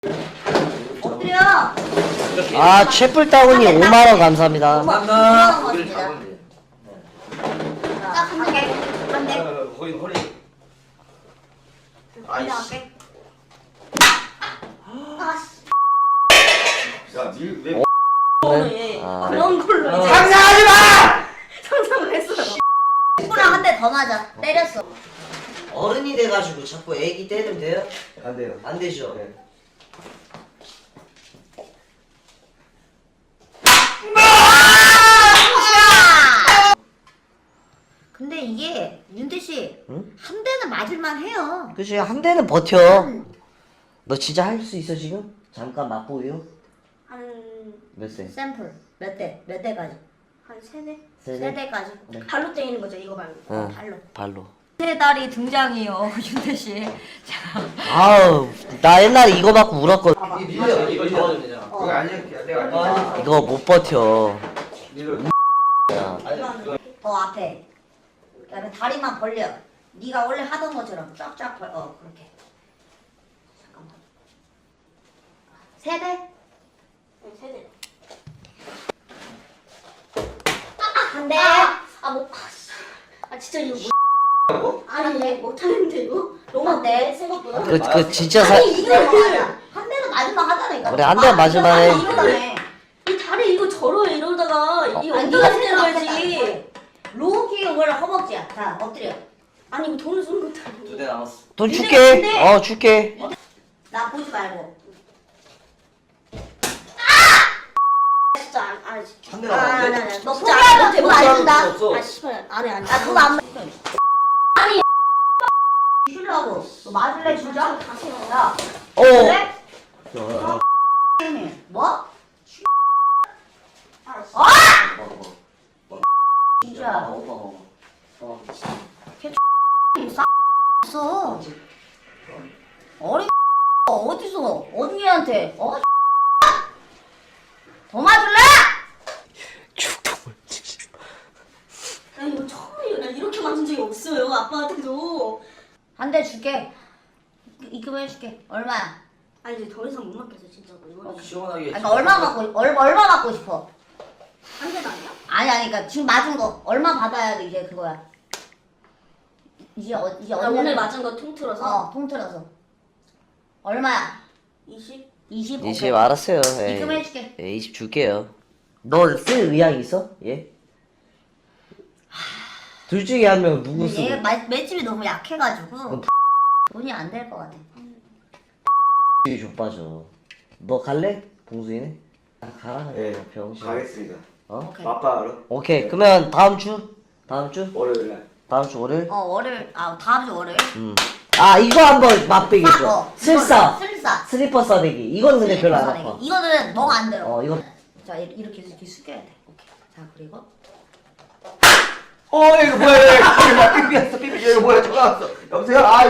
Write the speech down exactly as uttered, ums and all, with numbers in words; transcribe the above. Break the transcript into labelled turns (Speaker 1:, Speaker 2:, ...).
Speaker 1: 엎드려.
Speaker 2: 아, 채플 다운이 오만 원 감사합니다.
Speaker 1: 감사합니다.
Speaker 3: 거기를 잡으면 돼.
Speaker 1: 딱한 개. 한 대.
Speaker 3: 거기 허리.
Speaker 1: 아이씨. 아씨.
Speaker 3: 야, 니 왜?
Speaker 2: 아.
Speaker 1: 그런 걸로 이제
Speaker 3: 상상하지 마!
Speaker 1: 상상을 했어요. 친구랑 한 대 더 맞아. 때렸어.
Speaker 2: 어른이 돼가지고 자꾸 애기 때리면 돼요?
Speaker 3: 안 돼요.
Speaker 2: 안 되죠?
Speaker 3: 네.
Speaker 1: 근데 이게 윤태 씨,
Speaker 2: 응?
Speaker 1: 한 대는 맞을만 해요.
Speaker 2: 그치, 한 대는 버텨. 너 진짜 할 수 있어, 지금? 잠깐 맛보여?
Speaker 1: 한
Speaker 2: 몇 세?
Speaker 1: 샘플 몇 대? 몇 대까지?
Speaker 4: 한 세네?
Speaker 2: 세
Speaker 1: 세
Speaker 2: 대?
Speaker 1: 대까지.
Speaker 2: 네.
Speaker 4: 발로 때리는 거죠, 이거 발로.
Speaker 2: 응,
Speaker 1: 발로.
Speaker 2: 발로.
Speaker 1: 세 달이 등장이요, 윤태 씨. 자,
Speaker 2: 아우, 나 옛날에 이거 받고 울었거든.
Speaker 1: 봐봐.
Speaker 3: 이 밀려. 이거 잡아주면 되잖아.
Speaker 1: 어.
Speaker 3: 그거 아니야. 내가 아니야.
Speaker 2: 이거 못 버텨.
Speaker 3: 밀려.
Speaker 2: 야,
Speaker 1: 더 앞에. 그다음에 다리만 벌려. 네가 원래 하던 것처럼 쫙쫙 벌. 어, 그렇게. 잠깐만. 세 대?
Speaker 4: 응, 세네.
Speaker 1: 한 대.
Speaker 4: 아, 뭐, 아, 씨. 아, 진짜 이거 뭐. 아니,
Speaker 1: 네.
Speaker 4: 못하는데, 이거? 너무
Speaker 1: 한 대.
Speaker 4: 생각보다.
Speaker 2: 그, 그 진짜 사.
Speaker 1: 아니 이거 맞아. 한 대는 맞으면 하자니까.
Speaker 2: 그래, 한 대는 맞으면 해.
Speaker 1: 아니, 이거네.
Speaker 4: 이 다리 이거 절어 이러다가, 이
Speaker 1: 아니
Speaker 4: 엉덩이
Speaker 1: 네가
Speaker 4: 때려야지.
Speaker 1: 로우킥은 원래 허벅지야. 자 엎드려.
Speaker 4: 아니, 이거 돈을 쓰는 것도 아니고.
Speaker 3: 두 대 남았어.
Speaker 2: 돈
Speaker 1: 근데-
Speaker 2: 줄게.
Speaker 1: 근데-
Speaker 2: 어, 줄게.
Speaker 1: 나 보지 말고.
Speaker 4: 진짜 안, 아, 진짜.
Speaker 3: 한 대
Speaker 1: 아, 나,
Speaker 3: 남았는데?
Speaker 1: 나, 너
Speaker 4: 진짜
Speaker 1: 포기하면
Speaker 4: 안 돼,
Speaker 1: 돈안
Speaker 4: 못
Speaker 1: 준다.
Speaker 3: 없어.
Speaker 4: 아, 씨발, 안 해, 안 해.
Speaker 1: 아 그거 안. 아니. 주려고. 너 맞을래 진짜?
Speaker 4: 다시 해.
Speaker 1: 야.
Speaker 2: 어.
Speaker 1: 그래? 뭐?
Speaker 4: 알았어.
Speaker 1: 아!
Speaker 3: 먹어, 먹어.
Speaker 1: 진짜.
Speaker 3: 먹어, 먹어. 어.
Speaker 1: 싸. 어린 어디서 언니한테 어? 더 맞을래?
Speaker 4: 나 이거 처음이에요. 나 이렇게 맞은 적이 없어요, 아빠한테도.
Speaker 1: 한 대 줄게. 입금해줄게. 얼마야?
Speaker 4: 아니, 이제 더 이상 못 맞겠어, 진짜로. 이거.
Speaker 3: 시원하게.
Speaker 1: 아니, 그러니까 얼마 받고 얼, 얼마 받고 싶어?
Speaker 4: 한 대도 아니야?
Speaker 1: 아니 아니 그러니까 지금 맞은 거 얼마 받아야 돼 이제 그거야. 이제 어, 이제
Speaker 4: 나
Speaker 1: 언니는-
Speaker 4: 오늘 맞은 거 통틀어서
Speaker 1: 어 통틀어서 얼마야?
Speaker 4: 이십?
Speaker 1: 이십?
Speaker 2: 이십
Speaker 1: 오케이.
Speaker 2: 알았어요. 에이.
Speaker 1: 입금해줄게.
Speaker 2: 예, 이십 줄게요. 너 쓸 의향 있어? 예? 둘 중에 한 명 누구
Speaker 1: 근데 얘
Speaker 2: 쓰고?
Speaker 1: 마- 맷집이 너무 약해가지고
Speaker 2: 그럼
Speaker 1: 돈이 안 될 것 같아.
Speaker 2: 이 족빠져. 너 갈래? 봉수이네? 아, 가라.
Speaker 3: 예,
Speaker 2: 병신.
Speaker 3: 가겠습니다.
Speaker 2: 어?
Speaker 1: 오케이.
Speaker 3: 아빠로?
Speaker 2: 오케이. 그러면 다음 주? 다음 주?
Speaker 3: 월요일 날.
Speaker 2: 다음 주 월요일?
Speaker 1: 어 월요일 아 다음 주 월요일.
Speaker 2: 음. 아 이거 한번 맛보기
Speaker 1: 싸,
Speaker 2: 줘.
Speaker 1: 어,
Speaker 2: 슬싸.
Speaker 1: 이거는 슬싸.
Speaker 2: 슬리퍼 싸대기. 이건 근데 별로 안
Speaker 1: 슬리퍼
Speaker 2: 아파.
Speaker 1: 사내기. 이거는 멍 안 들어.
Speaker 2: 어 이거.
Speaker 1: 자 이- 이렇게 해서 이렇게 숙여야 돼. 오케이. 자 그리고
Speaker 3: 어, 이거 뭐야? 이거 뭐야? 삐삐였어, 삐삐. 이거 뭐야? 전화 왔어. 여보세요? 아,